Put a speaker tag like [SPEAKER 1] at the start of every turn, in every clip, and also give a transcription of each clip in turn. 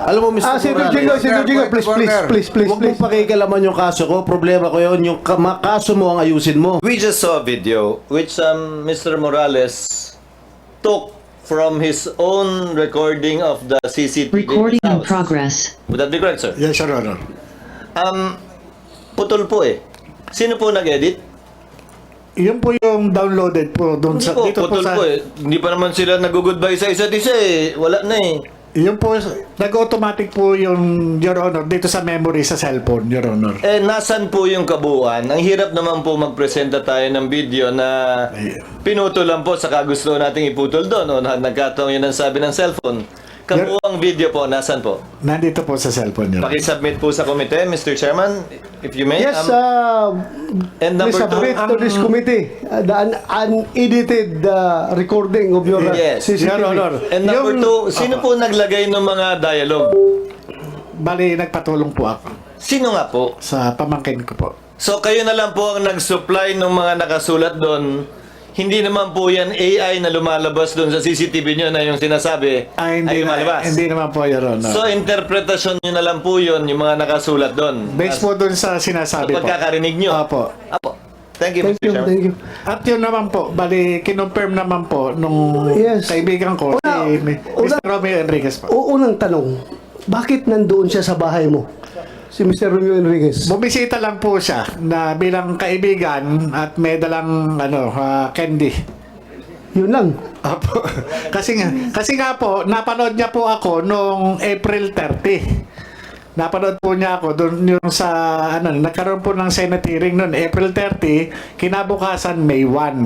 [SPEAKER 1] Alam mo, Mr.
[SPEAKER 2] Senator
[SPEAKER 1] Morales,
[SPEAKER 2] Jingoy, please.
[SPEAKER 1] huwag mong pakikalaman yung kaso ko. Problema ko yun. Yung kaso mo ang ayusin mo.
[SPEAKER 3] We just saw a video which Mr. Morales took from his own recording of the CCTV
[SPEAKER 4] Recording in
[SPEAKER 3] house.
[SPEAKER 4] progress.
[SPEAKER 3] Would that be correct, sir?
[SPEAKER 2] Yes, Your Honor.
[SPEAKER 3] Putol po eh. Sino po nag-edit?
[SPEAKER 2] Yun po yung downloaded po doon
[SPEAKER 3] Hindi
[SPEAKER 2] sa
[SPEAKER 3] po,
[SPEAKER 2] dito po
[SPEAKER 3] putol
[SPEAKER 2] sa
[SPEAKER 3] po eh. Hindi pa naman sila nag-goodbye sa isa't isa eh. Wala na eh.
[SPEAKER 2] yun po nag-automatic po yung Your Honor dito sa memory sa cellphone, Your Honor.
[SPEAKER 3] Eh, nasan po yung kabuuan? Ang hirap naman po magpresenta tayo ng video na pinutol lang po sa gusto nating iputol doon. O nagkataong yun ang sabi ng cellphone. Kabuuang video po, nasan po?
[SPEAKER 2] Nandito po sa cellphone, Your Honor.
[SPEAKER 3] Pakisubmit po sa komite, Mr. Chairman, if you may.
[SPEAKER 5] Yes,
[SPEAKER 3] and number
[SPEAKER 5] please submit
[SPEAKER 3] two,
[SPEAKER 5] to this committee the unedited recording of your
[SPEAKER 3] Yes.
[SPEAKER 5] CCTV.
[SPEAKER 2] Your Honor.
[SPEAKER 3] and number two, sino po naglagay ng mga dialogue?
[SPEAKER 2] Bali, nagpatulong po ako
[SPEAKER 3] Sino nga po?
[SPEAKER 2] sa pamangkin ko po.
[SPEAKER 3] So kayo na lang po ang nag-supply ng mga nakasulat doon. Hindi naman po yan AI na lumalabas doon sa CCTV nyo na yung sinasabi ay lumalabas.
[SPEAKER 2] Hindi naman po, Your Honor.
[SPEAKER 3] So interpretasyon nyo na lang po yun, yung mga nakasulat doon.
[SPEAKER 2] Based po doon sa
[SPEAKER 3] Sa
[SPEAKER 2] sinasabi po.
[SPEAKER 3] pagkakarinig nyo.
[SPEAKER 2] Opo.
[SPEAKER 3] Apo. Thank you,
[SPEAKER 5] Thank
[SPEAKER 3] Mr.
[SPEAKER 5] you,
[SPEAKER 3] Chairman.
[SPEAKER 5] thank you.
[SPEAKER 2] At yun naman po, bali, kinonfirm naman po nung
[SPEAKER 5] Yes.
[SPEAKER 2] kaibigan ko, si Mr. Romeo Enriquez po.
[SPEAKER 5] Unang tanong, bakit nandoon siya sa bahay mo? Si Mr. Romeo Enriquez.
[SPEAKER 2] Bumisita lang po siya na bilang kaibigan at may dalang candy.
[SPEAKER 5] Yun lang.
[SPEAKER 2] Opo. kasi nga po, napanood niya po ako nung April 30. Napanood po niya ako doon yung sa nagkaroon po ng Senate hearing noon April 30, kinabukasan May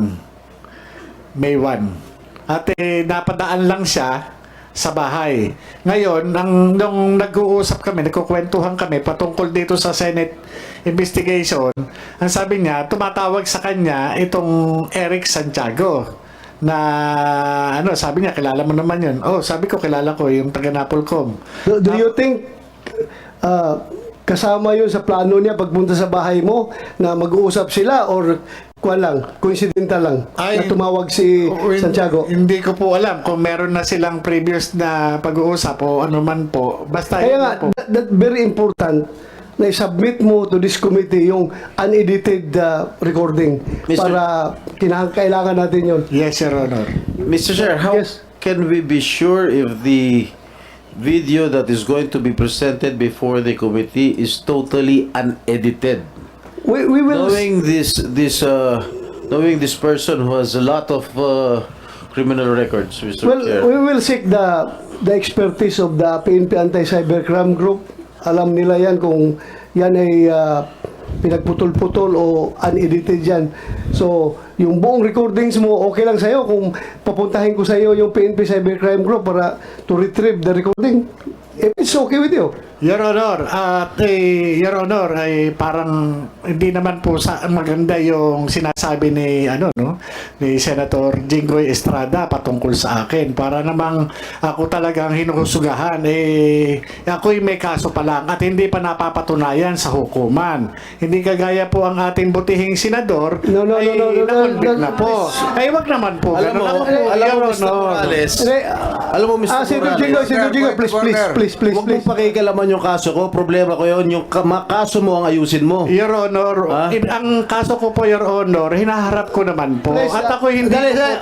[SPEAKER 2] 1. May 1. At napadaan lang siya sa bahay. Ngayon, nung nag-uusap kami, nagkukwentuhan kami patungkol dito sa Senate investigation, ang sabi niya, tumatawag sa kanya itong Eric Santiago na sabi niya, kilala mo naman yun. Oh, sabi ko, kilala ko yung taga Napolcom.
[SPEAKER 5] Do you think kasama yun sa plano niya pagpunta sa bahay mo na mag-uusap sila or coincidental lang na tumawag si Santiago?
[SPEAKER 2] Hindi ko po alam kung meron na silang previous na pag-uusap o ano man po. Basta
[SPEAKER 5] Kaya
[SPEAKER 2] yun
[SPEAKER 5] nga,
[SPEAKER 2] po.
[SPEAKER 5] that very important na i-submit mo to this committee yung unedited recording para kailangan natin yun.
[SPEAKER 2] Yes, Your Honor.
[SPEAKER 1] Mr. Chair, how
[SPEAKER 5] Yes.
[SPEAKER 1] can we be sure if the video that is going to be presented before the committee is totally unedited?
[SPEAKER 5] We will
[SPEAKER 1] Knowing this person who has a lot of criminal records, Mr. Chair.
[SPEAKER 5] we will seek the expertise of the PNP Anti-Cybercrime Group. Alam nila yan kung yan ay pinagputol-putol o unedited yan. So, yung buong recordings mo, okay lang sa'yo kung papuntahin ko sa'yo yung PNP Cybercrime Group para to retrieve the recording. If it's okay with you.
[SPEAKER 2] Your Honor, Your Honor, ay parang hindi naman po maganda yung sinasabi ni ni Senator Jinggoy Estrada patungkol sa akin. Para namang ako talagang hinuhusugahan ako'y may kaso pa lang at hindi pa napapatunayan sa hukuman. Hindi kagaya po ang ating butihing senador na-convict na po. Ay wag naman po.
[SPEAKER 1] Alam mo, Mr. Morales, alam mo, Mr.
[SPEAKER 5] Senator
[SPEAKER 1] Morales,
[SPEAKER 5] Jingoy, please.
[SPEAKER 1] huwag mong pakikalaman yung kaso ko. Problema ko yun. Yung kaso mo ang ayusin mo.
[SPEAKER 2] Your Honor, ang kaso ko po, Your Honor, hinaharap ko naman po.
[SPEAKER 5] Please,
[SPEAKER 2] At ako hindi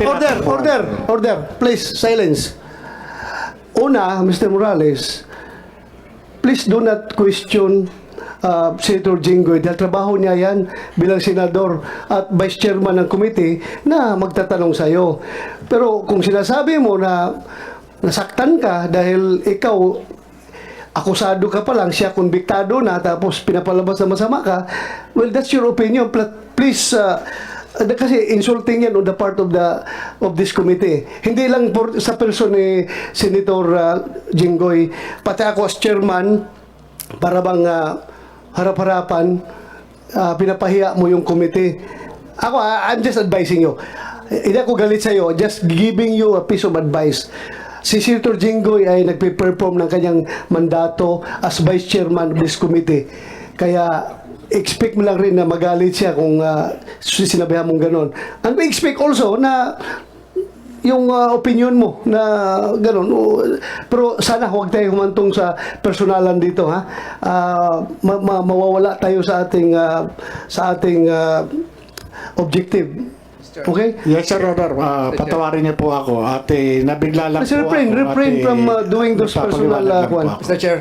[SPEAKER 5] Order. Please, silence. Una, Mr. Morales, please do not question Senator Jinggoy dahil trabaho niya yan bilang senador at vice chairman ng committee na magtatanong sa'yo. Pero kung sinasabi mo na nasaktan ka dahil ikaw akusado ka pa lang, siya konbiktado na, tapos pinapalabas na masama ka, well, that's your opinion. Please, kasi insulting yan on the part of this committee. Hindi lang sa person ni Senator Jinggoy, pati ako as chairman, para bang harap-harapan, pinapahiya mo yung committee. Ako, I'm just advising you. Hindi ako galit sa'yo, just giving you a piece of advice. Si Senator Jinggoy ay nagpe-perform ng kanyang mandato as vice chairman of this committee. Kaya expect mo lang rin na magalit siya kung sinabihan mong ganon. And we expect also na yung opinion mo na gano'n. Pero sana huwag tayo humantong sa personalan dito, ha. Mawawala tayo sa ating objective. Okay?
[SPEAKER 2] Yes, Sir Honor. Patawarin niyo po ako at nabigla lang
[SPEAKER 5] Mr.
[SPEAKER 2] po
[SPEAKER 5] Refrain
[SPEAKER 2] ako.
[SPEAKER 5] from doing those personal
[SPEAKER 2] nagpapaliwanag lang po
[SPEAKER 5] kwan.
[SPEAKER 2] ako.
[SPEAKER 4] Mr. Chair.